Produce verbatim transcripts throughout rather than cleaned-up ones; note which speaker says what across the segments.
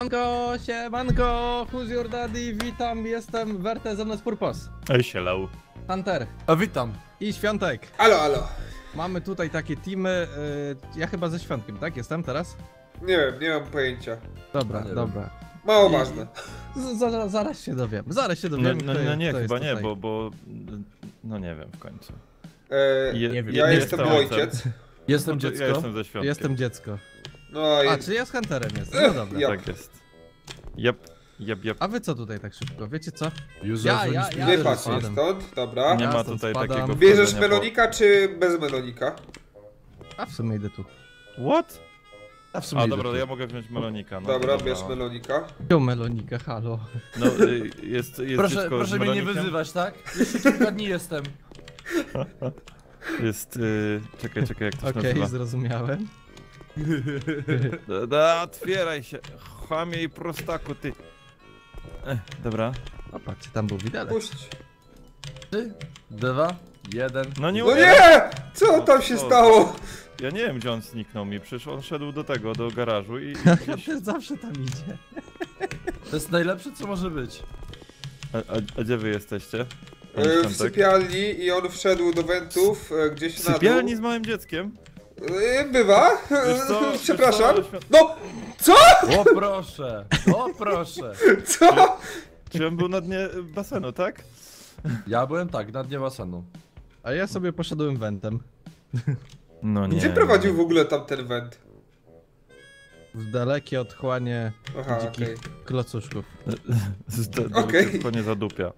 Speaker 1: Siemanko, siemanko, who's your daddy, witam, jestem Werte, ze mną jest Purpos.
Speaker 2: Ej, sielał.
Speaker 1: Hunter.
Speaker 3: A witam.
Speaker 1: I Świątek.
Speaker 4: Alo, alo.
Speaker 1: Mamy tutaj takie teamy, yy, ja chyba ze Świątkiem, tak? Jestem teraz?
Speaker 4: Nie wiem, nie mam pojęcia.
Speaker 1: Dobra,
Speaker 3: nie
Speaker 1: dobra.
Speaker 4: Mało
Speaker 1: I-
Speaker 4: ważne.
Speaker 1: Z, za, zaraz się dowiem, zaraz się
Speaker 2: No,
Speaker 1: dowiem,
Speaker 2: no,
Speaker 1: kto,
Speaker 2: no
Speaker 1: jest-
Speaker 2: nie,
Speaker 1: kto jest
Speaker 2: chyba nie,
Speaker 1: tutaj.
Speaker 2: bo, bo... No nie wiem w końcu.
Speaker 4: E,
Speaker 2: Je,
Speaker 1: nie wiem.
Speaker 4: ja
Speaker 2: nie
Speaker 4: jestem
Speaker 2: ojcem.
Speaker 4: ojciec.
Speaker 3: Jestem
Speaker 2: No to
Speaker 3: dziecko.
Speaker 2: Ja jestem ze świątkiem.
Speaker 1: Jestem dziecko.
Speaker 4: No i...
Speaker 1: A, czy ja z Hunterem jestem, no dobra.
Speaker 4: Ja-
Speaker 2: Tak jest. Jep, jep, jep.
Speaker 1: A wy co tutaj tak szybko, wiecie co?
Speaker 3: User
Speaker 1: Ja, ja,
Speaker 3: friendly
Speaker 1: ja.
Speaker 3: speech.
Speaker 4: Wypadź
Speaker 1: spadam.
Speaker 4: stąd, dobra.
Speaker 2: Nie
Speaker 1: Ja
Speaker 2: ma
Speaker 1: stąd
Speaker 2: tutaj
Speaker 1: spadam.
Speaker 2: takiego
Speaker 4: Bierzesz
Speaker 2: wchodzenia po-
Speaker 4: melonika czy bez melonika?
Speaker 1: A w sumie idę tu.
Speaker 2: What?
Speaker 3: A w sumie
Speaker 2: A
Speaker 3: idę
Speaker 2: dobra,
Speaker 3: tu.
Speaker 2: ja mogę wziąć melonika. No,
Speaker 4: Dobra,
Speaker 2: to
Speaker 4: bierz
Speaker 2: no.
Speaker 4: melonika.
Speaker 1: Wziął melonika, halo.
Speaker 2: No, y, jest, jest
Speaker 3: Proszę,
Speaker 2: dziecko
Speaker 3: proszę
Speaker 2: z
Speaker 3: mnie nie
Speaker 2: melonikiem?
Speaker 3: wyzywać, tak? Jeszcze kilka dni jestem.
Speaker 2: Jest, y, czekaj, czekaj, jak to się
Speaker 1: Okej,
Speaker 2: nazywa.
Speaker 1: zrozumiałem.
Speaker 2: Da, da, otwieraj się, chamie i prostaku, ty. Ech, dobra.
Speaker 1: O, patrzcie, tam był widelec.
Speaker 4: Puść.
Speaker 3: Trzy, dwa, jeden.
Speaker 2: No nie
Speaker 4: No
Speaker 2: umiem.
Speaker 4: nie! Co
Speaker 2: No
Speaker 4: tam się
Speaker 2: co?
Speaker 4: stało?
Speaker 2: Ja nie wiem, gdzie on zniknął mi, przecież on szedł do tego, do garażu i... i gdzieś...
Speaker 1: Hunter zawsze tam idzie.
Speaker 3: To jest najlepsze, co może być.
Speaker 2: a, a, a gdzie wy jesteście? Panie
Speaker 4: E, w
Speaker 2: Świątek?
Speaker 4: sypialni i on wszedł do wentów e, gdzieś
Speaker 2: W
Speaker 4: na dół.
Speaker 2: sypialni z małym dzieckiem?
Speaker 4: E, Bywa?
Speaker 2: Wiesz co? Wiesz
Speaker 4: Przepraszam.
Speaker 2: co? Świąt-
Speaker 4: No! Co?
Speaker 3: O proszę, o proszę.
Speaker 4: Co?
Speaker 2: Czy on był na dnie basenu, tak?
Speaker 3: Ja byłem tak, na dnie basenu.
Speaker 1: A ja sobie poszedłem wentem.
Speaker 2: No nie.
Speaker 4: Gdzie prowadził w ogóle tamten went?
Speaker 1: W dalekie otchłanie
Speaker 4: Aha,
Speaker 1: dzikich
Speaker 4: okej.
Speaker 1: klocuszków.
Speaker 4: Okej.
Speaker 2: Tylko nie zadupia.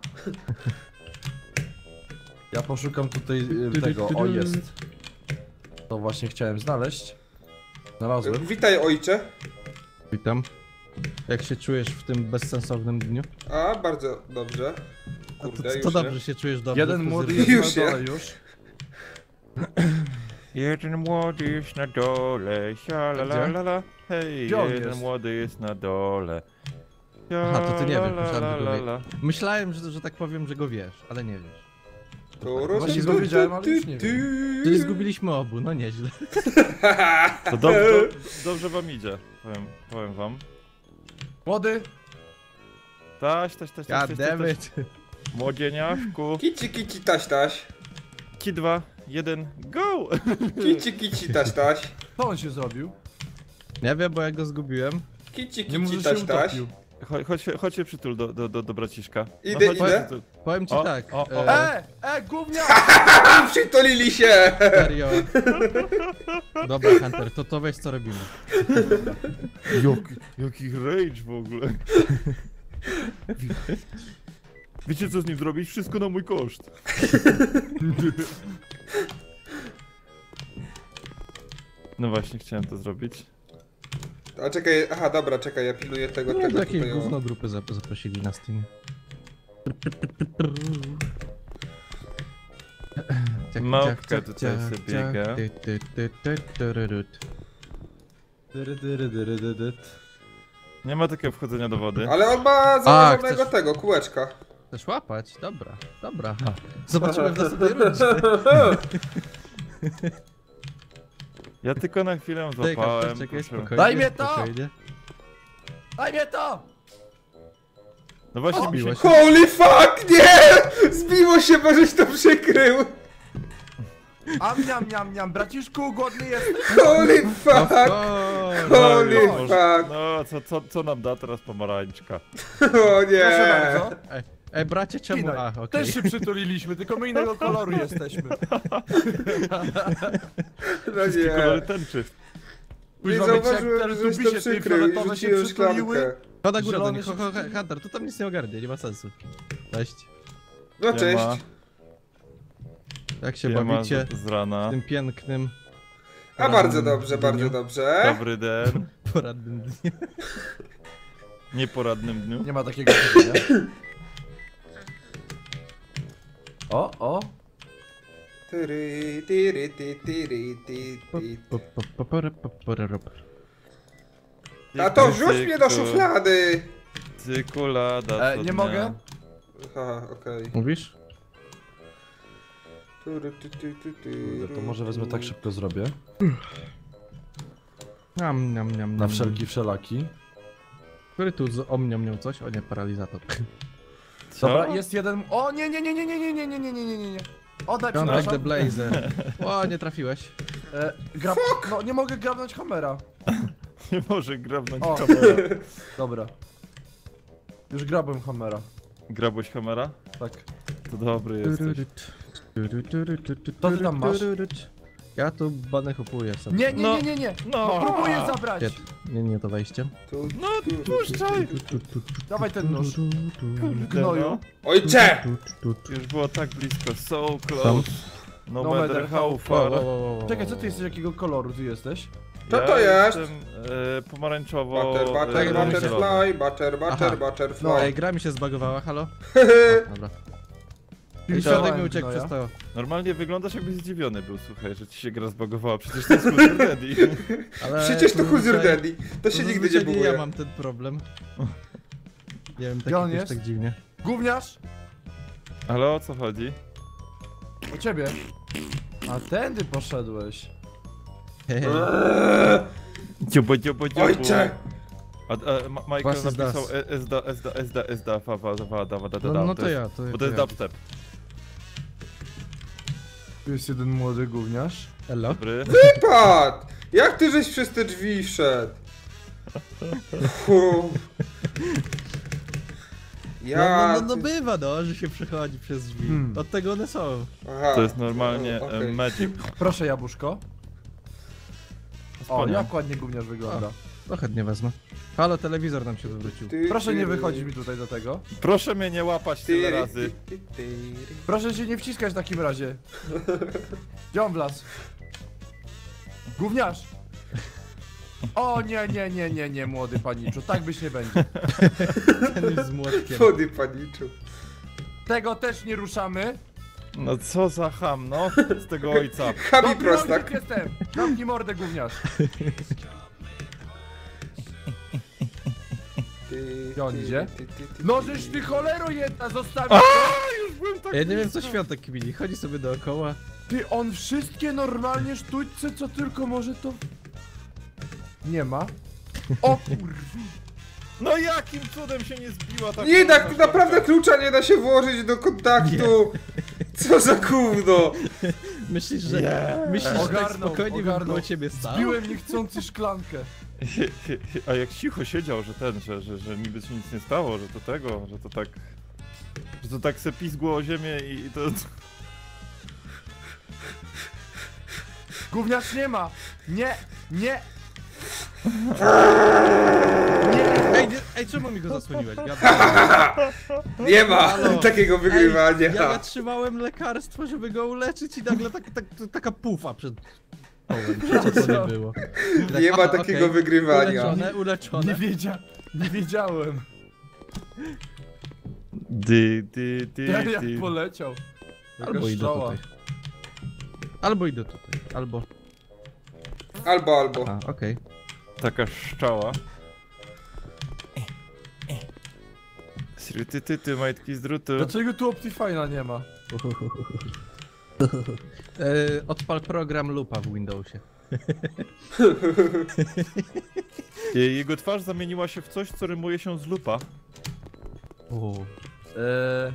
Speaker 3: Ja poszukam tutaj y, tego, o jest. To właśnie chciałem znaleźć. Znalazłem.
Speaker 4: Witaj, ojcze.
Speaker 1: Witam. Jak się czujesz w tym bezsensownym dniu?
Speaker 4: A, bardzo dobrze.
Speaker 1: A to,
Speaker 4: Kurde,
Speaker 1: to,
Speaker 4: już
Speaker 1: to
Speaker 4: nie.
Speaker 1: dobrze się czujesz dobrze.
Speaker 3: Jeden
Speaker 1: w
Speaker 3: młody
Speaker 1: fryzjerze?
Speaker 3: jest
Speaker 4: Już
Speaker 3: na
Speaker 4: nie.
Speaker 3: dole już.
Speaker 2: Jeden młody jest na dole, sia la la la la. Hej,
Speaker 3: Gdzie on
Speaker 2: jeden
Speaker 3: jest?
Speaker 2: młody jest na dole.
Speaker 1: Aha, to ty nie
Speaker 2: Sia
Speaker 1: wiesz,
Speaker 2: la
Speaker 1: myślałem,
Speaker 2: la
Speaker 1: że go
Speaker 2: la
Speaker 1: wie.
Speaker 2: la.
Speaker 1: Myślałem, że, że tak powiem, że go wiesz, ale nie wiesz.
Speaker 3: Właśnie go wiedziałem, ale już nie wiem.
Speaker 1: Czyli zgubiliśmy obu, no nieźle.
Speaker 2: To do, do, dobrze wam idzie, powiem, powiem wam.
Speaker 3: Młody,
Speaker 2: Taś, taś, taś, taś,
Speaker 1: God
Speaker 2: taś, taś,
Speaker 1: damn
Speaker 2: taś.
Speaker 1: it.
Speaker 4: Kici,
Speaker 2: Młodzieniaszku.
Speaker 4: kici, taś, taś.
Speaker 2: Ki dwa, jeden, go!
Speaker 4: Kici, kici, taś, taś.
Speaker 3: co on się zrobił?
Speaker 1: Nie wiem, bo ja go zgubiłem.
Speaker 4: Kici,
Speaker 3: Nie
Speaker 4: kici,
Speaker 3: może się
Speaker 4: taś, taś.
Speaker 3: utopił.
Speaker 2: Chodź, chodź, się- chodź się przytul do, do, do, do braciszka.
Speaker 4: Idę,
Speaker 2: chodź,
Speaker 4: idę.
Speaker 2: przytul.
Speaker 1: Powiem ci
Speaker 2: O,
Speaker 1: tak,
Speaker 2: o, o.
Speaker 1: e,
Speaker 3: E, e, gównia!
Speaker 4: Przytulili się!
Speaker 1: serio. Dobra, Hunter, to to weź co robimy.
Speaker 2: Jaki, jaki rage w ogóle. Wiecie co z nim zrobić? Wszystko na mój koszt. No właśnie, chciałem to zrobić.
Speaker 4: A czekaj, aha, dobra, czekaj, ja pilnuję tego,
Speaker 1: No,
Speaker 4: tego
Speaker 1: do jakiejś
Speaker 4: tutaj, o.
Speaker 1: gówno grupy zap zaprosili na Steam.
Speaker 2: Małpka tutaj sobie biega.
Speaker 3: Dyry, dyry, dyry, dyry, dyry.
Speaker 2: Nie ma takiego wchodzenia do wody.
Speaker 4: Ale on ma założonego
Speaker 1: chcesz-
Speaker 4: tego, kółeczka.
Speaker 1: Chcesz łapać? Dobra, dobra. Zobaczymy w następnej rundzie.
Speaker 2: Ja tylko na chwilę
Speaker 1: Czekaj,
Speaker 2: złapałem.
Speaker 1: czekaj,
Speaker 2: proszę.
Speaker 1: spokojnie,
Speaker 3: Daj mnie to!
Speaker 1: spokojnie.
Speaker 3: Daj mnie to!
Speaker 2: No właśnie
Speaker 1: O,
Speaker 2: mi się...
Speaker 1: biło się.
Speaker 4: Holy fuck, nie! Zbiło się, bo żeś to przykrył!
Speaker 3: Am, niam, niam, niam, braciszku, głodny jesteś?
Speaker 4: Holy
Speaker 1: Of
Speaker 4: fuck!
Speaker 1: course.
Speaker 4: Holy
Speaker 2: No,
Speaker 4: fuck!
Speaker 2: no co, co, co nam da teraz pomarańczka?
Speaker 4: O
Speaker 3: Proszę
Speaker 4: nie!
Speaker 3: bardzo.
Speaker 1: Ej, ej, bracie, czemu?
Speaker 3: Pinaj.
Speaker 1: A, okej.
Speaker 3: Też się przytuliliśmy, tylko my innego koloru jesteśmy.
Speaker 4: No
Speaker 2: Wszystkie kolory
Speaker 4: nie!
Speaker 2: tęczy.
Speaker 4: Nie
Speaker 3: Spójrz, mamy cię, jak
Speaker 4: zauważyłem,
Speaker 3: te
Speaker 4: żeś to
Speaker 3: dubisie tej
Speaker 4: przykrył i
Speaker 3: fioletowe się
Speaker 4: rzuciłem
Speaker 3: przytuliły.
Speaker 4: szklankę.
Speaker 1: Chodź na górę do
Speaker 3: Zielony
Speaker 1: nich,
Speaker 3: się
Speaker 1: ho, ho,
Speaker 3: przytulił.
Speaker 1: Hunter, tu tam nic nie ogarnie, nie ma sensu. Cześć.
Speaker 4: No cześć.
Speaker 2: Siema.
Speaker 1: Jak się
Speaker 2: Siema
Speaker 1: bawicie
Speaker 2: z, z rana.
Speaker 1: w tym pięknym,
Speaker 4: A bardzo
Speaker 1: porannym
Speaker 4: dobrze,
Speaker 1: dniu,
Speaker 4: bardzo dobrze.
Speaker 2: Dobry den.
Speaker 1: porannym dniu.
Speaker 2: Nieporadnym dniu.
Speaker 3: Nie ma takiego pytania. O, o.
Speaker 4: Tyry, tyry, ty, tyry, ty, ty.
Speaker 1: Po- po- po- pore- po- pore- rop.
Speaker 4: Tato, wrzuć mnie do szuflady!
Speaker 2: Cykulada.
Speaker 3: E, nie mogę?
Speaker 4: Aha, okej.
Speaker 1: Mówisz?
Speaker 4: Tyry, ty, ty, ty, ty,
Speaker 3: Kurde, to może wezmę tak szybko zrobię.
Speaker 1: Niam, niam, niam,
Speaker 3: Na
Speaker 1: niam.
Speaker 3: wszelki wszelaki.
Speaker 1: Który tu z omnią miał coś? O nie, paralizator.
Speaker 2: Co?
Speaker 3: Dobra, jest jeden... O nie, nie, nie, nie, nie, nie, nie, nie, nie, nie, nie, nie, nie. Oddaj,
Speaker 1: Contact the
Speaker 3: przepraszam.
Speaker 1: Blazer. O, nie trafiłeś.
Speaker 3: E, grab... No, nie mogę grabnąć Hammera.
Speaker 2: Nie może grabnąć
Speaker 3: O.
Speaker 2: kamera.
Speaker 3: Dobra. Już grabłem Hammera.
Speaker 2: Grabłeś kamera?
Speaker 3: Tak.
Speaker 2: To dobry jesteś.
Speaker 3: Co ty tam masz?
Speaker 1: Ja tu bany kupuję sobie.
Speaker 3: Nie, nie,
Speaker 2: No.
Speaker 3: nie, nie, nie.
Speaker 2: No.
Speaker 3: Próbuję zabrać.
Speaker 1: Nie, nie, nie to wejście.
Speaker 4: Tu,
Speaker 2: No,
Speaker 4: tu.
Speaker 2: puszczaj!
Speaker 3: Dawaj ten nóż.
Speaker 2: Kurde,
Speaker 3: Gnoju.
Speaker 4: Ojcze!
Speaker 2: Już było tak blisko, so close. No,
Speaker 3: No
Speaker 2: matter
Speaker 3: matter
Speaker 2: how
Speaker 3: how
Speaker 2: far.
Speaker 3: Czekaj, co ty jesteś, jakiego koloru ty jesteś?
Speaker 4: Co to
Speaker 2: Ja
Speaker 4: jest?
Speaker 2: Jestem e, pomarańczowo...
Speaker 4: Butter,
Speaker 2: e,
Speaker 4: butter,
Speaker 1: tak,
Speaker 2: zielony.
Speaker 4: butterfly, butter,
Speaker 1: Aha.
Speaker 4: butter, butterfly.
Speaker 1: No, ej, gra mi się zbagowała, halo? Dobra. I
Speaker 3: Pilsowałem
Speaker 1: środek mi uciekł
Speaker 3: gnoja.
Speaker 1: przez to.
Speaker 2: Normalnie wyglądasz jakbyś zdziwiony był, słuchaj, że ci się gra zbagowała. Przecież to jest Huzur Daddy.
Speaker 1: Ale
Speaker 4: Przecież to Huzur
Speaker 1: zazwyczaj-
Speaker 4: Daddy. To się nigdy nie
Speaker 1: zazwyczaj
Speaker 4: buguje.
Speaker 1: ja mam ten problem. Nie wiem,
Speaker 3: Gdzie on
Speaker 1: tak,
Speaker 3: jest?
Speaker 1: tak dziwnie.
Speaker 3: Gówniarz!
Speaker 2: Ale o co chodzi?
Speaker 3: U ciebie. A tędy poszedłeś.
Speaker 1: Hehe.
Speaker 4: Eee,
Speaker 2: Dziobo, dziobo, dziobo.
Speaker 4: Ojcze!
Speaker 2: A, a Ma- Michael
Speaker 1: Was is
Speaker 2: napisał
Speaker 1: das.
Speaker 2: e- Esda, Esda, Esda, Esda, fa, fa, fa, da, da, da,
Speaker 1: No,
Speaker 2: da.
Speaker 1: no to
Speaker 2: jest-
Speaker 1: ja, to,
Speaker 2: Bo
Speaker 1: to
Speaker 2: to jest
Speaker 1: ja.
Speaker 2: dubstep.
Speaker 3: Tu jest jeden młody gówniarz.
Speaker 1: Elo?
Speaker 2: Dobry.
Speaker 4: Wypad! Jak ty żeś przez te drzwi wszedł? Fu.
Speaker 1: No,
Speaker 4: Ja...
Speaker 1: no, no, no bywa no, że się przechodzi przez drzwi.
Speaker 3: Hmm.
Speaker 1: Od tego one są.
Speaker 4: Aha.
Speaker 2: To jest normalnie
Speaker 4: O,
Speaker 2: e,
Speaker 4: okej.
Speaker 2: magic.
Speaker 3: Proszę jabłuszko. O,
Speaker 2: Wspaniale.
Speaker 3: jak ładnie gówniarz wygląda.
Speaker 1: No chętnie wezmę. Halo, telewizor nam się wywrócił.
Speaker 4: Ty,
Speaker 3: Proszę
Speaker 4: ty,
Speaker 3: nie
Speaker 4: ty.
Speaker 3: wychodzić mi tutaj do tego.
Speaker 2: Proszę mnie nie łapać tyle
Speaker 4: Ty,
Speaker 2: razy.
Speaker 4: ty, ty, ty.
Speaker 3: Proszę się nie wciskać w takim razie. Gdzie on wlazł? Gówniarz! O nie, nie, nie, nie, nie, młody paniczu, tak być nie będzie.
Speaker 1: Ten już z młotkiem.
Speaker 4: Wody paniczu.
Speaker 3: Tego też nie ruszamy.
Speaker 2: No co za ham, no? Z tego ojca.
Speaker 4: Chami
Speaker 3: Dobry
Speaker 4: prostak.
Speaker 3: ojciec jestem! Zamknij mordę, gówniarz.
Speaker 4: Ty,
Speaker 3: Gdzie on
Speaker 4: ty,
Speaker 3: idzie?
Speaker 4: ty, ty, ty,
Speaker 3: No
Speaker 4: ty.
Speaker 3: żeś ty cholero jedna, zostawił
Speaker 2: A,
Speaker 3: to.
Speaker 2: już byłem tak
Speaker 1: Ja nie wiem co
Speaker 2: blisko.
Speaker 1: świątek kmini, chodzi sobie dookoła.
Speaker 3: Ty, on wszystkie normalnie sztućce, co tylko może to... Nie ma. O kurwa.
Speaker 2: No jakim cudem się nie zbiła ta
Speaker 4: Nie
Speaker 2: kurwa
Speaker 4: tak, naprawdę
Speaker 2: szklanka?
Speaker 4: klucza nie da się włożyć do kontaktu. Co za gówno.
Speaker 1: Myślisz, że...
Speaker 2: Nie.
Speaker 1: Myślisz, że tak
Speaker 3: Ogarnął,
Speaker 1: spokojnie bym
Speaker 3: ogarnął.
Speaker 1: koło ciebie stał?
Speaker 3: Zbiłem niechcący szklankę.
Speaker 2: A jak cicho siedział, że ten, że, że, że niby się nic nie stało, że to tego, że to tak... Że to tak se pizgło o ziemię i i to...
Speaker 3: Gówniarz nie ma. Nie, nie.
Speaker 1: Ej, nie, ej, czemu mi go zasłoniłeś? Gadam.
Speaker 4: Nie ma
Speaker 1: Halo.
Speaker 4: takiego wygrywania.
Speaker 1: Ej, ja trzymałem lekarstwo, żeby go uleczyć i nagle tak, tak, taka pufa przed... Ołem, przecież to nie było. I tak,
Speaker 4: Nie ma
Speaker 1: aha,
Speaker 4: takiego
Speaker 1: okej.
Speaker 4: wygrywania.
Speaker 1: Uleczone,
Speaker 3: Nie,
Speaker 1: uleczone.
Speaker 3: wiedzia nie wiedziałem.
Speaker 2: Dy, dy, dy,
Speaker 3: Ten jak
Speaker 2: dy.
Speaker 3: poleciał.
Speaker 1: Albo
Speaker 3: Jaka
Speaker 1: idę
Speaker 3: strzała.
Speaker 1: tutaj. Albo idę tutaj, albo...
Speaker 4: Albo, albo.
Speaker 1: A, okej.
Speaker 2: Taka szczała. Sryty, ty, ty, majtki z drutu.
Speaker 3: Dlaczego tu Optifine'a nie ma?
Speaker 1: E, odpal program lupa w Windowsie.
Speaker 2: Je- Jego twarz zamieniła się w coś, co rymuje się z lupa.
Speaker 1: O.
Speaker 3: Eee...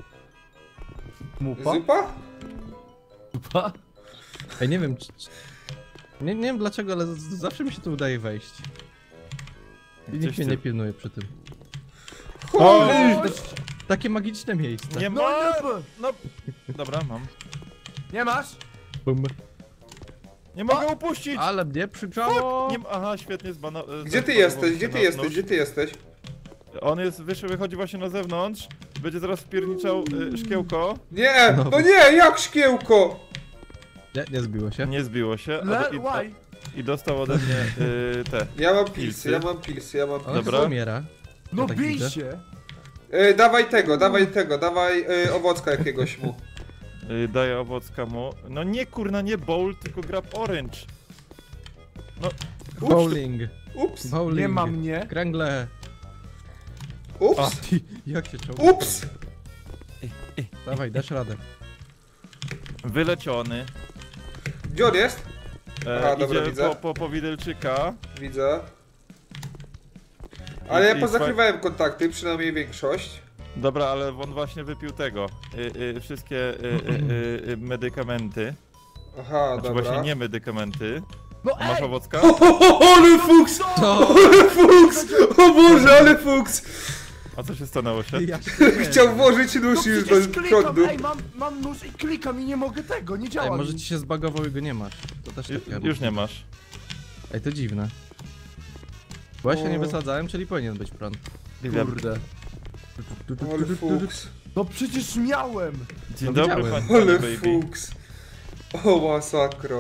Speaker 3: Mupa?
Speaker 4: Zupa?
Speaker 3: Mupa?
Speaker 1: Ej, nie wiem, czy, czy... Nie, nie wiem dlaczego, ale z- zawsze mi się tu udaje wejść. I nikt
Speaker 2: Coś
Speaker 1: mnie
Speaker 2: ty-
Speaker 1: nie pilnuje przy tym.
Speaker 2: O!
Speaker 1: Takie magiczne miejsce.
Speaker 2: Nie
Speaker 3: No
Speaker 2: ma!
Speaker 3: nie,
Speaker 2: No, dobra, mam.
Speaker 3: nie masz?
Speaker 1: Bum.
Speaker 2: Nie mogę upuścić!
Speaker 1: Ale mnie przygrzało!
Speaker 2: Nie ma... Aha, świetnie zbano...
Speaker 4: Gdzie ty
Speaker 2: zbanował
Speaker 4: jesteś?
Speaker 2: się
Speaker 4: Gdzie
Speaker 2: na
Speaker 4: ty jesteś?
Speaker 2: nóż.
Speaker 4: Gdzie ty jesteś?
Speaker 2: On jest, wyszły, wychodzi właśnie na zewnątrz. Będzie zaraz wpierniczał y, szkiełko.
Speaker 4: Nie!
Speaker 1: No.
Speaker 4: No nie! Jak szkiełko!
Speaker 1: Nie, nie zbiło się.
Speaker 2: Nie zbiło się.
Speaker 3: Le
Speaker 2: a, i,
Speaker 3: why?
Speaker 2: I dostał ode mnie y, te.
Speaker 4: Ja mam pilsy,
Speaker 2: Pilsy.
Speaker 4: ja mam pilsy, ja mam
Speaker 1: On
Speaker 4: pilsy.
Speaker 2: Dobra.
Speaker 1: chyba umiera.
Speaker 3: No
Speaker 1: Ja tak
Speaker 3: bij
Speaker 1: widzę.
Speaker 3: się!
Speaker 4: E, dawaj tego, dawaj tego, dawaj e, owocka jakiegoś mu.
Speaker 2: Y, daje owocka mu. No nie kurna, nie bowl, tylko grab orange. No. ucz-
Speaker 1: Bowling.
Speaker 4: Ups,
Speaker 1: Bowling.
Speaker 3: Nie ma mnie.
Speaker 1: Kręgle.
Speaker 4: ups,
Speaker 2: A.
Speaker 1: Ty, jak się czoło?
Speaker 4: ups!
Speaker 1: Dawaj, dasz radę.
Speaker 2: Wyleciony.
Speaker 4: Gdzie on jest?
Speaker 2: E,
Speaker 4: Aha, dobra,
Speaker 2: idzie
Speaker 4: widzę.
Speaker 2: po, po, po widelczyka.
Speaker 4: Widzę. Ale ja
Speaker 2: I- i
Speaker 4: pozakrywałem kontakty, przynajmniej większość.
Speaker 2: Dobra, ale on właśnie wypił tego. Y, y, wszystkie y, y, y, y, medykamenty.
Speaker 4: Aha,
Speaker 2: Znaczy
Speaker 4: dobra.
Speaker 2: właśnie nie medykamenty.
Speaker 5: No
Speaker 2: A masz
Speaker 5: ej!
Speaker 2: owocka?
Speaker 4: O, o, o, ale fuks!
Speaker 1: To...
Speaker 4: Ale fuks! O Boże, ale fuks!
Speaker 2: A co się stanęło się?
Speaker 1: Ja się nie
Speaker 4: Chciał
Speaker 1: wiem.
Speaker 4: włożyć
Speaker 5: No
Speaker 4: nóż już do
Speaker 5: przecież klikam,
Speaker 4: prądu.
Speaker 5: ej, mam, mam nóż i klikam i nie mogę tego, nie działa
Speaker 1: Ej,
Speaker 5: mi.
Speaker 1: może ci się zbagował i go nie masz. To też
Speaker 2: Ju,
Speaker 1: takie.
Speaker 2: już nie masz.
Speaker 1: Ej, to dziwne. Bo ja się nie
Speaker 4: O.
Speaker 1: wysadzałem, czyli powinien być prąd.
Speaker 5: Kurde.
Speaker 4: Ale fuks.
Speaker 5: No przecież miałem!
Speaker 2: Dzień
Speaker 1: No
Speaker 2: dobry,
Speaker 1: widziałem.
Speaker 2: panie
Speaker 4: Ale
Speaker 2: baby.
Speaker 4: fuks. O masakro.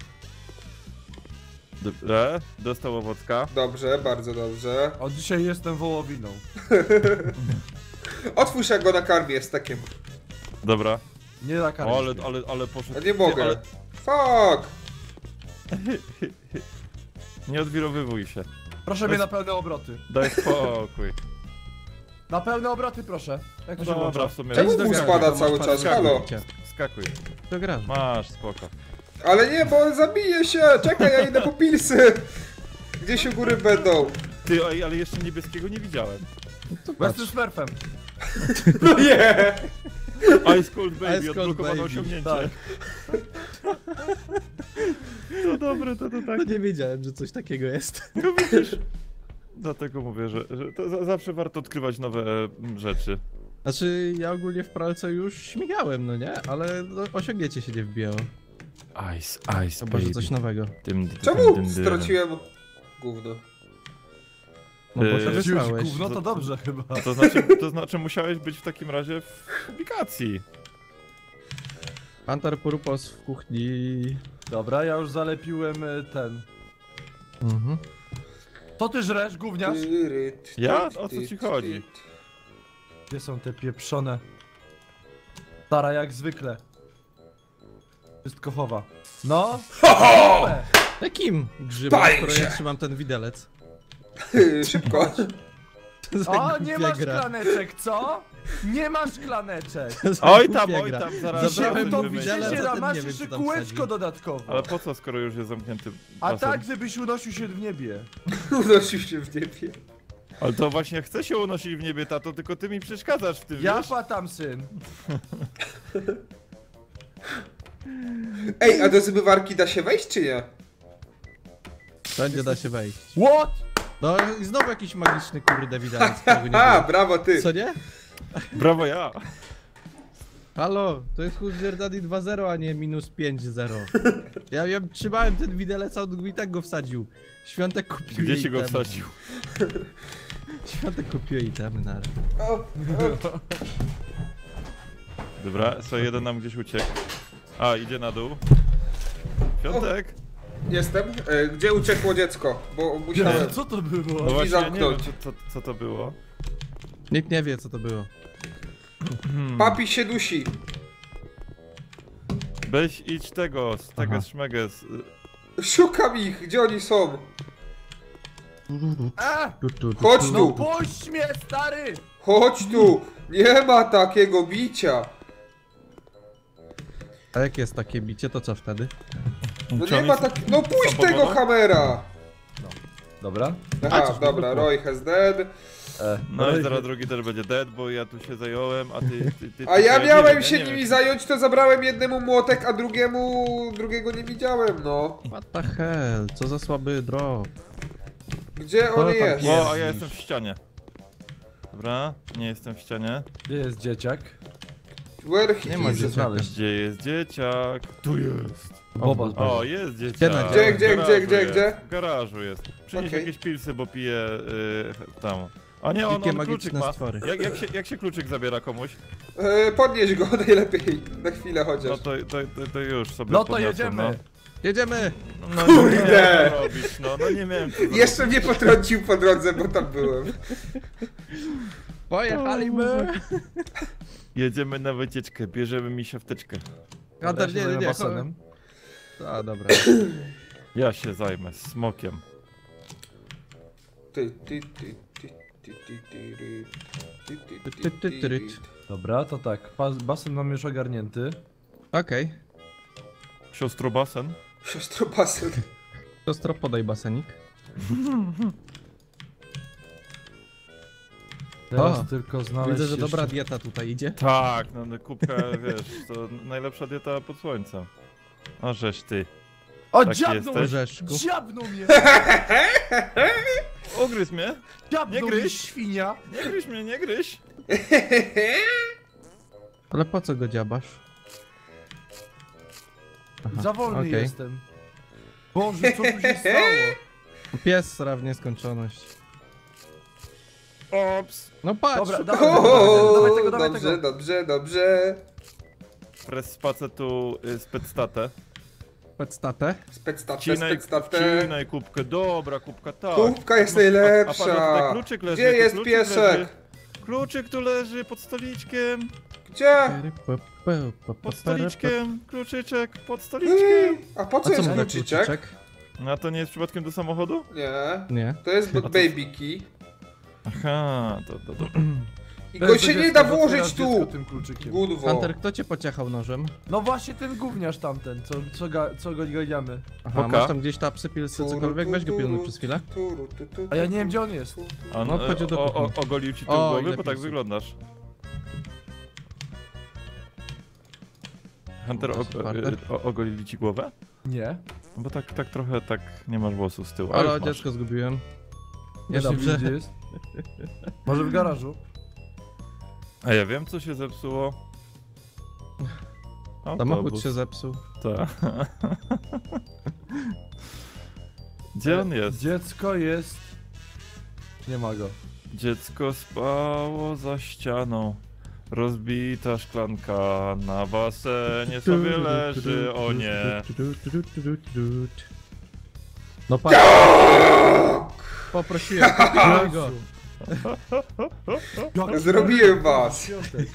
Speaker 2: Dobra, dostał owocka.
Speaker 4: Dobrze, bardzo dobrze.
Speaker 5: Od dzisiaj jestem wołowiną.
Speaker 4: Otwórz, jak go nakarmię z takim.
Speaker 2: Dobra.
Speaker 5: Nie na
Speaker 2: O, ale, ale, ale poszedł.
Speaker 4: A nie mogę.
Speaker 2: Ale
Speaker 4: Fuck!
Speaker 2: nie odwirowywuj się.
Speaker 5: Proszę mnie na pełne obroty.
Speaker 2: Daj spokój.
Speaker 5: Na pełne obroty proszę. Jak to się
Speaker 2: Dobra,
Speaker 5: włącza?
Speaker 2: w sumie.
Speaker 4: Czemu
Speaker 1: Idź do
Speaker 4: mu
Speaker 1: garażu,
Speaker 4: spada
Speaker 1: to
Speaker 4: cały
Speaker 1: masz
Speaker 4: czas?
Speaker 1: parę
Speaker 4: Halo?
Speaker 1: skakuj.
Speaker 2: Skakuj.
Speaker 1: Do garażu.
Speaker 2: Masz, spoko.
Speaker 4: Ale nie, bo on zabije się! Czekaj, ja idę po pilsy! Gdzieś u góry będą.
Speaker 2: Ty, ej, ale jeszcze niebieskiego nie widziałem.
Speaker 5: Bo jestem smurfem.
Speaker 4: No nie!
Speaker 2: Ice Cold Baby,
Speaker 1: Ice Cold
Speaker 2: odblokowane
Speaker 1: Baby.
Speaker 2: osiągnięcie.
Speaker 5: Tak.
Speaker 2: To dobre, to to tak.
Speaker 1: No nie wiedziałem, że coś takiego jest.
Speaker 2: No widzisz. Dlatego mówię, że, że to za, zawsze warto odkrywać nowe mm, rzeczy.
Speaker 1: Znaczy, ja ogólnie w pralce już śmigałem, no nie? Ale no, osiągnięcie się nie wbijało.
Speaker 2: Ice, ice
Speaker 1: To może coś nowego.
Speaker 2: Dym, dym,
Speaker 4: Czemu
Speaker 2: dym, dym.
Speaker 4: straciłem gówno?
Speaker 1: No bo
Speaker 2: Yy,
Speaker 1: to
Speaker 5: Wziąłeś
Speaker 1: wysłałeś.
Speaker 5: gówno to dobrze chyba.
Speaker 2: To znaczy, to znaczy musiałeś być w takim razie w publikacji.
Speaker 1: Pantar Purpos w kuchni.
Speaker 5: Dobra, ja już zalepiłem e, ten.
Speaker 1: Mhm.
Speaker 5: To ty żresz, gówniarz?
Speaker 4: Tyryt,
Speaker 2: Ja?
Speaker 4: tyt,
Speaker 2: O co ci
Speaker 4: tyt,
Speaker 2: chodzi?
Speaker 4: tyt.
Speaker 5: Gdzie są te pieprzone? Stara jak zwykle. Wszystko chowa. No?
Speaker 4: Ho!
Speaker 1: Jakim grzybem,
Speaker 4: Paj
Speaker 1: skoro
Speaker 4: się!
Speaker 1: ja trzymam ten widelec?
Speaker 4: Szybko.
Speaker 1: To za
Speaker 5: O, nie
Speaker 1: głupia
Speaker 5: masz
Speaker 1: gra.
Speaker 5: szklaneczek, co? Nie masz szklaneczek!
Speaker 1: To za
Speaker 2: Oj
Speaker 1: głupia
Speaker 2: tam, oj
Speaker 1: gra.
Speaker 2: tam, zaraz
Speaker 1: Zabrałem
Speaker 2: zaraz
Speaker 1: to
Speaker 2: wymyślę.
Speaker 1: widelec,
Speaker 5: Widzicie,
Speaker 1: a
Speaker 5: a
Speaker 1: ten
Speaker 5: masz
Speaker 1: nie wiem,
Speaker 5: jeszcze
Speaker 1: co tam
Speaker 5: kółeczko
Speaker 1: wsadził.
Speaker 5: dodatkowo.
Speaker 2: Ale po co, skoro już jest zamknięty
Speaker 5: A
Speaker 2: basen?
Speaker 5: tak, żebyś unosił się w niebie.
Speaker 4: Unosił się w niebie.
Speaker 2: Ale to właśnie chcę się unosić w niebie, tato, tylko ty mi przeszkadzasz w tym,
Speaker 5: Ja
Speaker 2: wiesz?
Speaker 5: patam, syn.
Speaker 4: Ej, a do zmywarki da się wejść, czy nie?
Speaker 1: Będzie da się wejść.
Speaker 5: What?
Speaker 1: No i znowu jakiś magiczny kurde widelec, którego nie
Speaker 4: Ha,
Speaker 1: było.
Speaker 4: brawo ty!
Speaker 1: Co nie?
Speaker 2: Brawo ja!
Speaker 1: Halo, to jest Huzzard Daddy dwa zero, a nie minus pięć zero. Ja, ja trzymałem ten widelec, a on i tak go wsadził. Świątek kupił
Speaker 2: Gdzie
Speaker 1: jej
Speaker 2: się go
Speaker 1: itemy.
Speaker 2: wsadził?
Speaker 1: Świątek kupił itemy na razie.
Speaker 4: O, o.
Speaker 2: Dobra, co jeden nam gdzieś uciekł. A, idzie na dół. Piątek!
Speaker 4: Jestem. E, gdzie uciekło dziecko? Bo musiałem.
Speaker 5: Co to było?
Speaker 2: No właśnie, ja nie wiem,
Speaker 4: zamknąć.
Speaker 2: co, co, co to było.
Speaker 1: Nikt nie wie co to było.
Speaker 2: Hmm.
Speaker 4: Papi się dusi.
Speaker 2: Weź idź tego, z tego
Speaker 1: Aha.
Speaker 2: szmeges.
Speaker 4: Szukam ich, gdzie oni są?
Speaker 5: A!
Speaker 1: Tu, tu, tu,
Speaker 4: Chodź
Speaker 1: tu.
Speaker 5: No
Speaker 4: tu.
Speaker 5: puść mnie, stary!
Speaker 4: Chodź tu! Nie ma takiego bicia!
Speaker 1: A jak jest takie bicie, to co wtedy?
Speaker 4: No
Speaker 2: Czy
Speaker 4: nie
Speaker 2: oni
Speaker 4: ma
Speaker 2: są-
Speaker 4: tak. No puść
Speaker 2: są
Speaker 4: tego
Speaker 2: powodą?
Speaker 4: hamera!
Speaker 5: Dobra.
Speaker 4: Aha,
Speaker 1: coś
Speaker 4: dobra,
Speaker 1: wybuchło.
Speaker 4: Roy has dead.
Speaker 5: E,
Speaker 2: No i zaraz drugi też będzie dead, bo ja tu się zająłem, a ty... ty, ty
Speaker 4: A ja
Speaker 2: ty-
Speaker 4: miałem
Speaker 2: nie
Speaker 4: się
Speaker 2: wiem,
Speaker 4: nimi
Speaker 2: nie
Speaker 4: zająć, to zabrałem jednemu młotek, a drugiemu... drugiego nie widziałem, no.
Speaker 1: What the hell? Co za słaby drop.
Speaker 4: Gdzie
Speaker 1: No
Speaker 4: on
Speaker 1: tak
Speaker 4: jest?
Speaker 2: wiem. O, a ja jestem w ścianie. Dobra, nie jestem w ścianie.
Speaker 5: Gdzie jest dzieciak?
Speaker 4: Where he
Speaker 1: Nie ma
Speaker 4: is?
Speaker 1: dzieciaka.
Speaker 5: znaleźć.
Speaker 2: Gdzie jest dzieciak? Tu jest.
Speaker 5: Boba z
Speaker 2: O, jest dzieciak.
Speaker 1: Gdzie na-
Speaker 4: Gdzie, gdzie,
Speaker 2: W
Speaker 4: gdzie,
Speaker 2: garażu
Speaker 4: gdzie,
Speaker 2: jest.
Speaker 4: gdzie?
Speaker 2: W garażu jest. Przynieś
Speaker 4: Okej.
Speaker 2: jakieś pilsy, bo pije y, tam. A nie, on,
Speaker 1: Dzikie
Speaker 2: on kluczyk
Speaker 1: magiczne
Speaker 2: ma.
Speaker 1: stwory.
Speaker 2: Jak, jak, się, jak się kluczyk zabiera komuś?
Speaker 4: E, podnieś go najlepiej, na chwilę
Speaker 2: No
Speaker 4: chociaż.
Speaker 2: to, to, to, to już sobie
Speaker 5: No to
Speaker 2: podniosę,
Speaker 5: jedziemy!
Speaker 1: Jedziemy!
Speaker 2: No, no
Speaker 4: Kurde!
Speaker 2: nie miałem co robić, no, no nie miałem co zrobić.
Speaker 4: Jeszcze mnie potrącił po drodze, bo tam byłem.
Speaker 1: Pojechaliśmy!
Speaker 2: Jedziemy na wycieczkę, bierzemy mi się wtyczkę.
Speaker 1: Hunter, nie, nie, nie.
Speaker 5: basenem.
Speaker 1: A, dobra.
Speaker 2: Ja się zajmę smokiem.
Speaker 4: Ty, ty, ty, ty, ty, ty, ty, ry. Ty, ty,
Speaker 1: Ty, ty, ty, ry.
Speaker 5: Dobra, to tak. Pas, basen mam już ogarnięty.
Speaker 1: Okej.
Speaker 2: Siostro basen?
Speaker 4: Siostro basen.
Speaker 1: Siostro, podaj basenik.
Speaker 5: Teraz
Speaker 1: O,
Speaker 5: tylko znaleźć
Speaker 1: Widzę, że
Speaker 5: jeszcze...
Speaker 1: dobra dieta tutaj idzie.
Speaker 2: Tak, no no, kubka, wiesz, to najlepsza dieta pod słońcem. O, żeś ty.
Speaker 5: O,
Speaker 2: Tak
Speaker 5: dziabnął
Speaker 2: jesteś?
Speaker 5: mnie!
Speaker 1: Orzeszku.
Speaker 5: Dziabnął mnie!
Speaker 2: Ugryź mnie!
Speaker 5: Dziabnął
Speaker 2: Nie
Speaker 5: mnie,
Speaker 2: gryź.
Speaker 5: świnia!
Speaker 2: Nie gryź mnie, nie gryź!
Speaker 1: Ale po co go dziabasz? Aha,
Speaker 5: Za wolny
Speaker 1: okej.
Speaker 5: jestem. Boże, co tu się stało?
Speaker 1: Pies sra w nieskończoność.
Speaker 2: Ops!
Speaker 1: No patrz!
Speaker 5: Dobra,
Speaker 1: szukaj.
Speaker 5: dawaj,
Speaker 4: O,
Speaker 5: dawaj tego, dawaj
Speaker 4: dobrze,
Speaker 5: tego.
Speaker 4: dobrze, dobrze.
Speaker 2: Press spacę tu y, specstatę.
Speaker 1: Petstatę.
Speaker 4: Specstatę,
Speaker 2: Wcinaj,
Speaker 4: specstatę.
Speaker 2: wcinaj kubkę, dobra kubka, tak.
Speaker 4: Kubka jest
Speaker 2: A- a- a patrz,
Speaker 4: najlepsza.
Speaker 2: tutaj kluczyk leży,
Speaker 4: Gdzie
Speaker 2: tu
Speaker 4: jest
Speaker 2: kluczyk
Speaker 4: piesek?
Speaker 2: Leży. Kluczyk tu leży pod stoliczkiem,
Speaker 4: Gdzie?
Speaker 2: pod stoliczkiem, kluczyczek, pod stoliczkiem.
Speaker 4: Mm, A po
Speaker 1: A
Speaker 4: co
Speaker 1: co
Speaker 4: jest
Speaker 1: mu da
Speaker 4: kluczyczek?
Speaker 1: kluczyczek?
Speaker 2: No a to nie jest przypadkiem do samochodu?
Speaker 4: Nie.
Speaker 1: Nie.
Speaker 4: To jest
Speaker 2: to-
Speaker 4: baby key.
Speaker 2: Aha, to, to, to.
Speaker 4: I go się nie da włożyć
Speaker 5: Dziecko
Speaker 4: tu.
Speaker 5: tym kluczykiem.
Speaker 4: Gudwo.
Speaker 1: Hunter, kto cię pociachał nożem?
Speaker 5: No właśnie ten gówniarz tamten, co, co, ga, co go ganiamy.
Speaker 1: Aha,
Speaker 2: Oka.
Speaker 1: masz tam gdzieś tapsy, pilsy, cokolwiek? Weź go pilnuj przez chwilę.
Speaker 4: Turu, tu, tu,
Speaker 5: A ja
Speaker 4: tu,
Speaker 5: nie wiem,
Speaker 4: tu,
Speaker 5: gdzie on jest.
Speaker 4: tu.
Speaker 2: On
Speaker 1: No, chodź
Speaker 2: e,
Speaker 1: do
Speaker 2: o, o,
Speaker 1: kuchni.
Speaker 2: ogolił ci tył
Speaker 1: O,
Speaker 2: głowy,
Speaker 1: ile
Speaker 2: bo tak
Speaker 1: pilsów.
Speaker 2: wyglądasz. Hunter,
Speaker 1: O,
Speaker 2: o,
Speaker 1: super.
Speaker 2: e, o, ogolili ci głowę?
Speaker 5: Nie.
Speaker 2: No bo tak, tak trochę tak nie masz włosów z tyłu. a
Speaker 1: Ale
Speaker 2: już masz.
Speaker 1: dziecko zgubiłem.
Speaker 5: Nie
Speaker 1: Jeszcze,
Speaker 5: dam,
Speaker 1: że...
Speaker 5: gdzie jest. Może w garażu?
Speaker 2: A ja wiem co się zepsuło.
Speaker 1: Samochód
Speaker 2: Autobus.
Speaker 1: się zepsuł.
Speaker 2: Tak. Gdzie on jest?
Speaker 5: Dziecko jest... Nie ma go.
Speaker 2: Dziecko spało za ścianą. Rozbita szklanka na basenie sobie leży, o nie.
Speaker 1: No patrz. Poprosiłem, pilnuj go.
Speaker 4: Zrobiłem was.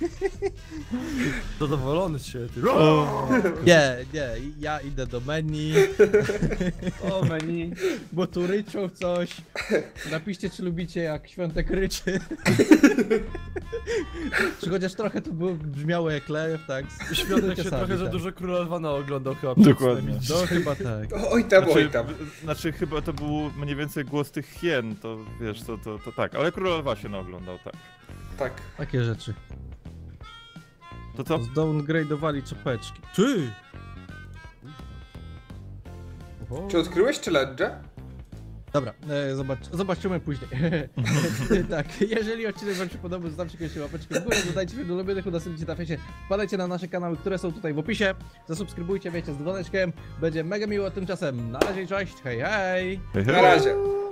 Speaker 5: Zadowolony się ty.
Speaker 1: Nie, nie, ja idę do menu,
Speaker 5: O menu.
Speaker 1: bo tu ryczą coś. Napiszcie, czy lubicie, jak Świątek ryczy. Czy chociaż trochę to było, brzmiało jak lew, tak?
Speaker 5: Świątek się
Speaker 1: Sami,
Speaker 5: trochę za
Speaker 1: tak.
Speaker 5: dużo Króla Lwana oglądał chyba.
Speaker 2: Dokładnie.
Speaker 1: No chyba tak.
Speaker 4: Oj tam, oj
Speaker 2: Znaczy,
Speaker 4: tam.
Speaker 2: w- znaczy chyba to był mniej więcej głos tych hien, to wiesz, to, to, to tak, ale Króla Lwa się naoglądał, tak.
Speaker 4: Tak.
Speaker 1: Takie rzeczy.
Speaker 2: To co?
Speaker 1: Zdowngrade'owali czapeczki. Ty! Oho.
Speaker 4: Czy odkryłeś challenge?
Speaker 1: Dobra, e, zobacz, zobaczymy później. Tak, jeżeli odcinek wam się podobał, zostawcie koniecznie łapeczkę w górę, dodajcie się do ulubionych, udostępnijcie na fejsie, wpadajcie na nasze kanały, które są tutaj w opisie, zasubskrybujcie, wiecie, z dzwoneczkiem, będzie mega miło, tymczasem na razie, cześć, hej hej!
Speaker 2: Hej, hej.
Speaker 4: Na razie.